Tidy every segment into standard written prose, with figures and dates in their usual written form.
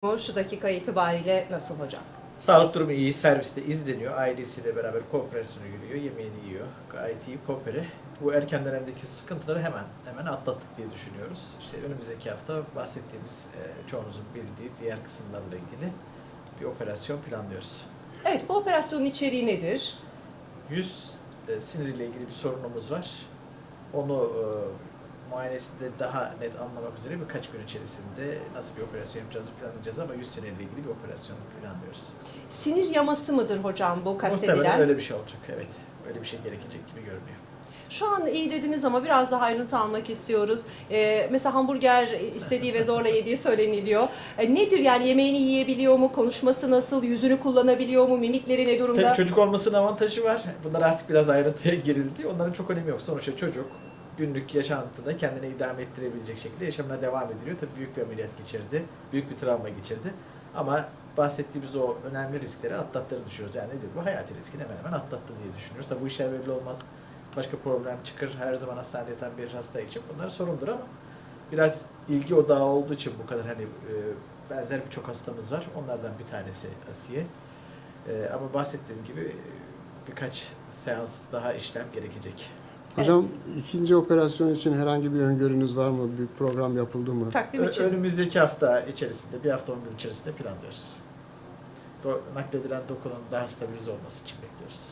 Şu dakika itibariyle nasıl hocam? Sağlık durumu iyi, serviste izleniyor. Ailesiyle beraber kooperasyona giriyor, yemeğini yiyor. Gayet iyi koopere. Bu erken dönemdeki sıkıntıları hemen atlattık diye düşünüyoruz. İşte önümüzdeki hafta bahsettiğimiz çoğunuzun bildiği diğer kısımlarla ilgili bir operasyon planlıyoruz. Evet, bu operasyonun içeriği nedir? Yüz siniriyle ilgili bir sorunumuz var. Onu muayenesinde daha net anlamak üzere birkaç gün içerisinde nasıl bir operasyon yapacağımızı planlayacağız ama yüz siniriyle ilgili bir operasyon planlıyoruz. Sinir yaması mıdır hocam bu kastedilen? Muhtemelen öyle bir şey olacak, evet. Öyle bir şey gerekecek gibi görünüyor. Şu an iyi dediniz ama biraz daha ayrıntı almak istiyoruz. Mesela hamburger istediği ve zorla yediği söyleniliyor. Nedir yani, yemeğini yiyebiliyor mu? Konuşması nasıl? Yüzünü kullanabiliyor mu? Mimikleri ne durumda? Tabii çocuk olmasının avantajı var. Bunlar artık biraz ayrıntıya girildi. Onların çok önemi yok. Sonuçta çocuk günlük yaşantıda kendine idame ettirebilecek şekilde yaşamına devam ediliyor. Tabii büyük bir ameliyat geçirdi. Büyük bir travma geçirdi. Ama bahsettiğimiz o önemli riskleri atlattığını düşünüyoruz. Yani nedir bu? Hayati riskini hemen atlattı diye düşünüyoruz. Tabii bu işler böyle olmaz. Başka problem çıkar. Her zaman hastanede yatan bir hasta için bunlar sorundur ama biraz ilgi odağı olduğu için bu kadar benzer birçok hastamız var. Onlardan bir tanesi Asiye. Ama bahsettiğim gibi birkaç seans daha işlem gerekecek. Hocam ikinci operasyon için herhangi bir öngörünüz var mı? Bir program yapıldı mı? Takvim için. Önümüzdeki hafta içerisinde, bir hafta 10 gün içerisinde planlıyoruz. Nakledilen dokunun daha stabilize olması için bekliyoruz.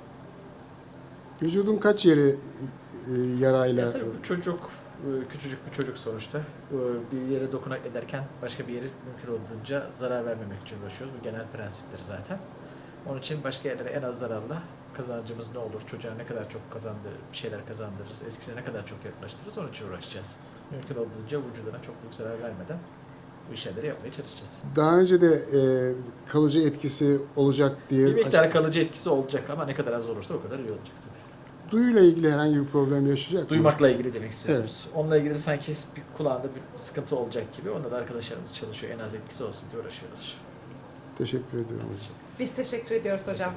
Vücudun kaç yeri yarayla? Tabii bu çocuk, küçücük bir çocuk sonuçta. Bir yere dokunak ederken başka bir yere mümkün olduğunca zarar vermemek için uğraşıyoruz. Bu genel prensiptir zaten. Onun için başka yerlere en az zararla kazancımız ne olur, çocuğa ne kadar çok bir şeyler kazandırırız, eskisine ne kadar çok yaklaştırırız, onun için uğraşacağız. Mümkün olduğunca vücuduna çok büyük zarar vermeden bu işleri yapmaya çalışacağız. Daha önce de kalıcı etkisi olacak diye... Bir miktar kalıcı etkisi olacak ama ne kadar az olursa o kadar iyi olacak tabii. Duyuyla ilgili herhangi bir problem yaşayacak mı? Duymakla ilgili demek istiyorsunuz. Evet. Onunla ilgili sanki bir kulağında bir sıkıntı olacak gibi. Onda da arkadaşlarımız çalışıyor. En az etkisi olsun diye uğraşıyorlar. Teşekkür ediyorum. Biz teşekkür ediyoruz hocam.